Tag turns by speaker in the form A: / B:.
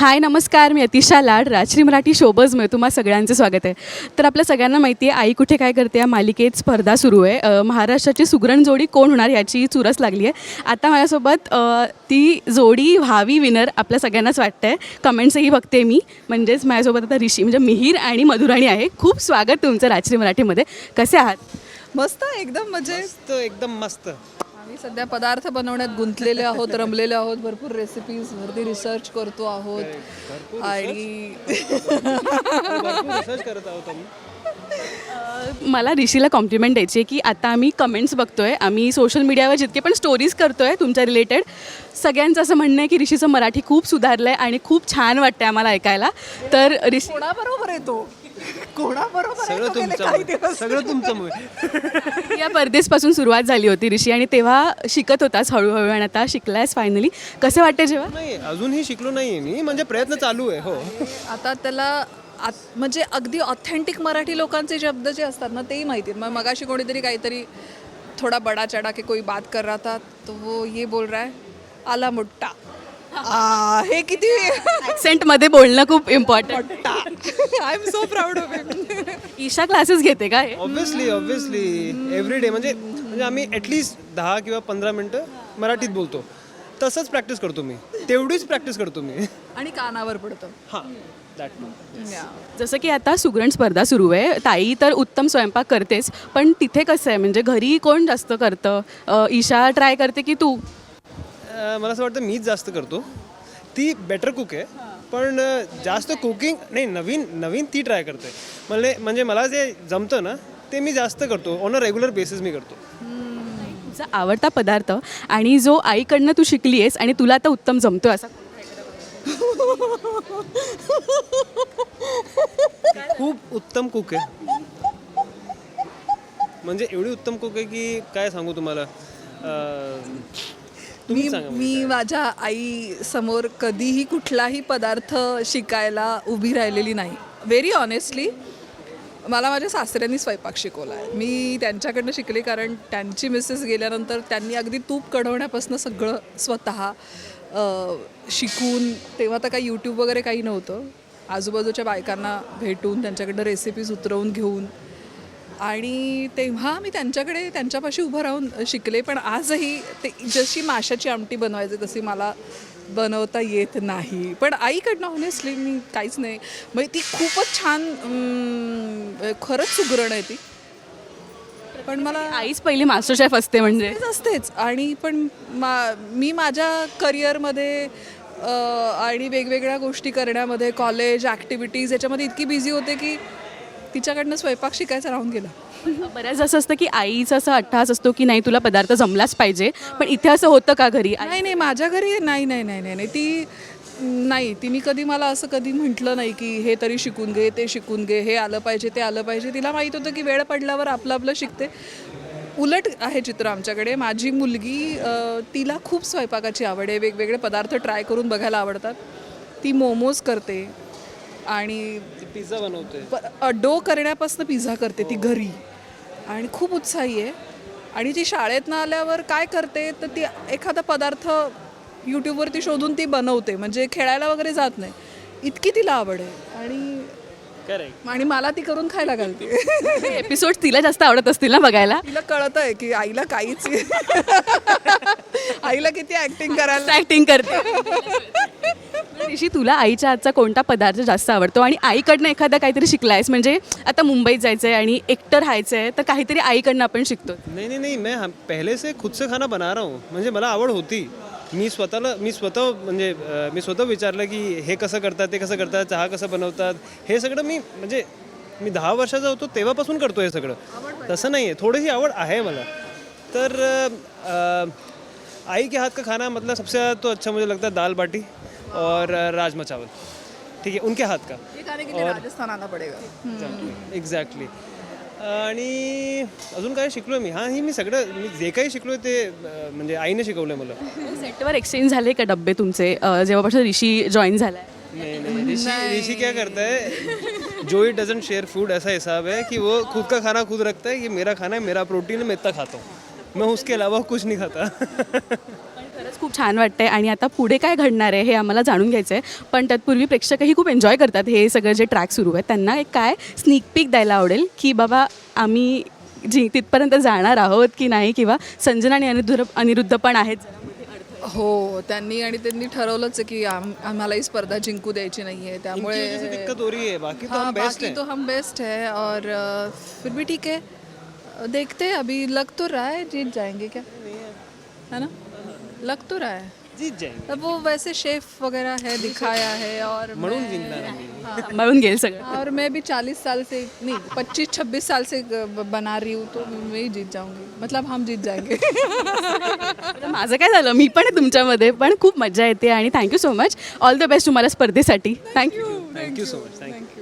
A: हाय नमस्कार, मी अतिशा लाड राजश्री मराठी शोबजमध्ये तुम्हा सगळ्यांचं स्वागत आहे. तर आपल्या सगळ्यांना माहिती आहे आई कुठे काय करते या मालिकेत स्पर्धा सुरू आहे. महाराष्ट्राची सुगरण जोडी कोण होणार याची चुरस लागली आहे. आता माझ्यासोबत ती जोडी व्हावी विनर आपल्या सगळ्यांनाच वाटतं आहे. कमेंट्सही बघते मी, म्हणजेच माझ्यासोबत आता ऋषी म्हणजे मिहीर आणि मधुराणी आहे. खूप स्वागत तुमचं राजश्री मराठीमध्ये. कसे आहात?
B: मस्त, एकदम मजेत.
C: मस्त, एकदम मस्त.
B: आम्ही सध्या पदार्थ बनवण्यात गुंतलेले आहोत, रमलेले आहोत. भरपूर रेसिपीजवरती रिसर्च करतो आहोत आणि
C: भरपूर रिसर्च करत आहोत आम्ही.
A: मला ऋषीला कॉम्प्लिमेंट द्यायची आहे की आता आम्ही कमेंट्स बघतो आहे, आम्ही सोशल मीडियावर जितके पण स्टोरीज करतो आहे तुमच्या रिलेटेड, सगळ्यांचं असं म्हणणं आहे की ऋषीचं मराठी खूप सुधारलं आहे आणि खूप छान वाटतं आहे आम्हाला ऐकायला. तर ऋषी
B: कोणाबरोबर येतो, कोणाबरोबर
C: सगळं
B: येतो गेले
C: तुमचं
B: काही दिवस.
C: सगळं तुमचं
A: या परदेशपासून सुरुवात झाली होती ऋषी, आणि तेव्हा शिकत होतास हळूहळू आणि आता शिकलायस फायनली. कसं वाटतं जेव्हा?
C: नाही, अजूनही शिकलो नाही मी, म्हणजे प्रयत्न चालू आहे. हो,
B: आता त्याला म्हणजे अगदी ऑथेंटिक मराठी लोकांचे शब्द जे असतात ना तेही माहिती आहेत. मग मगाशी कोणीतरी काहीतरी थोडा बडा चढा के कोई बात कर रहा था तो वो ये बोल रहा है आला मुट्टा. हे किती
A: ॲक्सेंटमध्ये बोलणं खूप important.
B: I am so proud of him.
A: Isha classes घेते का हे?
C: Obviously every day. म्हणजे आम्ही ॲटलिस्ट 10 किंवा 15 मिनटं मराठीत बोलतो. तसंच प्रॅक्टिस करतो मी, तेवढीच प्रॅक्टिस करतो मी.
B: आणि कानावर पडतं.
C: हां, दॅट.
A: जसं की आता सुगरण स्पर्धा सुरू आहे, ताई तर उत्तम स्वयंपाक करतेच, पण तिथे कसं आहे म्हणजे घरी कोण जास्त करतं? ईशा ट्राय करते की तू?
C: मला असं वाटतं मीच जास्त करतो. ती बेटर कुक आहे, पण जास्त कुकिंग नाही, नवीन ती ट्राय करते. म्हणजे मला जे जमतं ना ते मी जास्त करतो. ऑन अ रेग्युलर बेसिस मी करतो.
A: तुझा आवडता पदार्थ आणि जो आईकडनं तू शिकली आहेस आणि तुला आता उत्तम जमतोय असा?
C: खूप उत्तम कुक आहे, म्हणजे एवढी उत्तम कुक आहे की काय सांगू तुम्हाला. तुम्ही सांगा.
B: मी माझ्या आई समोर कधीही कुठलाही पदार्थ शिकायला उभी राहिलेली नाही. व्हेरी ऑनेस्टली मला माझ्या सासऱ्यांनी स्वयंपाक शिकवला आहे. मी त्यांच्याकडनं शिकले, कारण त्यांची मिसेस गेल्यानंतर त्यांनी अगदी तूप कढवण्यापासून सगळं स्वतः शिकून, तेव्हा तर काही यूट्यूब वगैरे काही नव्हतं, आजूबाजूच्या बायकांना भेटून त्यांच्याकडनं रेसिपीज उतरवून घेऊन, आणि तेव्हा मी त्यांच्यापाशी उभं राहून शिकले. पण आजही ते जशी माशाची आमटी बनवायची तशी मला बनवता येत नाही. पण आईकडनं ऑनेस्टली मी काहीच नाही. म्हणजे ती खूपच छान, खरंच सुगरण आहे ती. पण मला
A: आईच पहिली मास्टर शेफ असते म्हणजे
B: असतेच. आणि पण मी माझ्या करिअरमध्ये आणि वेगवेगळ्या गोष्टी करण्यामध्ये, कॉलेज ॲक्टिव्हिटीज याच्यामध्ये इतकी बिझी होते की तिच्याकडनं स्वयंपाक शिकायचा राहून गेला.
A: बऱ्याच असं असतं की आईचा असा अट्टहास असतो की नाही तुला पदार्थ जमलाच पाहिजे, पण इथे असं होतं का घरी?
B: नाही, माझ्या घरी नाही. ती नाही, तिने कधी मला असं कधी म्हटलं नाही की हे तरी शिकून घे, ते शिकून घे, हे आलं पाहिजे, ते आलं पाहिजे. तिला माहीत होतं की वेळ पडल्यावर आपलं शिकते. उलट आहे चित्र आमच्याकडे. माझी मुलगी, तिला खूप स्वयंपाकाची आवड आहे, वेगवेगळे पदार्थ ट्राय करून बघायला आवडतात. ती मोमोज करते आणि
C: पिझ्झा बनवते.
B: डो करण्यापासून पिझ्झा करते ती घरी, आणि खूप उत्साही आहे. आणि ती शाळेतनं आल्यावर काय करते तर ती एखादा पदार्थ यूट्यूबवरती शोधून ती बनवते, म्हणजे खेळायला वगैरे जात नाही, इतकी तिला आवड आहे. आणि मला ती करून खायला घालते.
A: एपिसोड तिला जास्त आवडत असतील ना बघायला?
B: तिला कळत आहे की आईला काहीच आईला किती ॲक्टिंग करायला.
A: ॲक्टिंग करते. ऋषी, तुला आईच्या हातचा कोणता पदार्थ जास्त आवडतो आणि आईकडनं एखादा काहीतरी शिकलायस? म्हणजे आता मुंबईत जायचं आहे आणि एकटं राहायचं आहे तर काहीतरी आईकडनं आपण शिकतो.
C: नहीं, मैं पहले से खुद से खाना बना रहा हूँ. म्हणजे मला आवड होती. मी स्वतः विचारलं की हे कसं करतात, ते कसं करतात, चहा कसं बनवतात, हे सगळं मी 10 वर्षाचा होतो तेव्हापासून करतो हे सगळं. तसं नाही आहे, थोडीशी आवड आहे मला. तर आई के हाथ का खाना मतलब सबसे ज़्यादा तो अच्छा मुझे लगता है दाल बाटी और राजमा चावल. ठीक है, उनके हाथ का.
B: राजस्थान आना पडेगा.
C: एक्झॅक्टली. आणि अजून काय शिकलो मी? मी जे काही शिकलो ते म्हणजे आईने शिकवलं मला.
A: सेटवर एक्सचेंज झाले का डब्बे तुमचे जेव्हापासून ऋषी जॉईन झालाय?
C: नहीं, ऋषि क्या करता है, जो ही डजंट शेयर फूड, ऐसा हिसाब है कि वो खुद का खाना खुद रखता है. ये मेरा खाना है, मेरा प्रोटीन है, मैं इतना खाता हूँ, मैं उसके अलावा कुछ नहीं खाता.
A: खरंच खूप छान वाटतंय आणि आता पुढे काय घडणार आहे हे आम्हाला जाणून घ्यायचं आहे. पण तत्पूर्वी प्रेक्षकही खूप एन्जॉय करतात हे सगळं जे ट्रॅक सुरू आहे. त्यांना एक काय स्निक पीक द्यायला आवडेल की बाबा आम्ही तिथपर्यंत जाणार आहोत की नाही, किंवा संजना आणि अनिरुद्ध पण आहेत जरा मध्ये अडथळे.
B: हो, त्यांनी ठरवलंच आहे की आम्हाला ही स्पर्धा जिंकू द्यायची नाही आहे,
C: इनकी वजह से
B: त्यामुळे
C: दिक्कत हो रही है, बाकी तो
B: हाँ,
C: हम बेस्ट
B: बाकी
C: हैं.
B: तो हम बेस्ट है और फिर भी ठीक है, देखते हैं. अभी लग तो रहा है जीत जाएंगे क्या, है ना, लग तो रहा है.
C: जीत जाएंगे
B: अब वो वैसे शेफ वगैरह है, दिखाया है और
C: म्हणून जिंकणार आम्ही.
A: सांभाळून घेईल सगळं.
B: और मैं भी 40 साल से नहीं 25-26 साल से बना रही हूँ, तो मैं ही जीत जाऊंगी, मतलब हम जीत जाएंगे.
A: आता माझं काय झालं, मी पण आहे तुमच्यामध्ये, पण खूप मजा येते आणि thank you so much. All the best तुम्हाला स्पर्धेसाठी. Thank you.
C: Thank you so much. Thank you.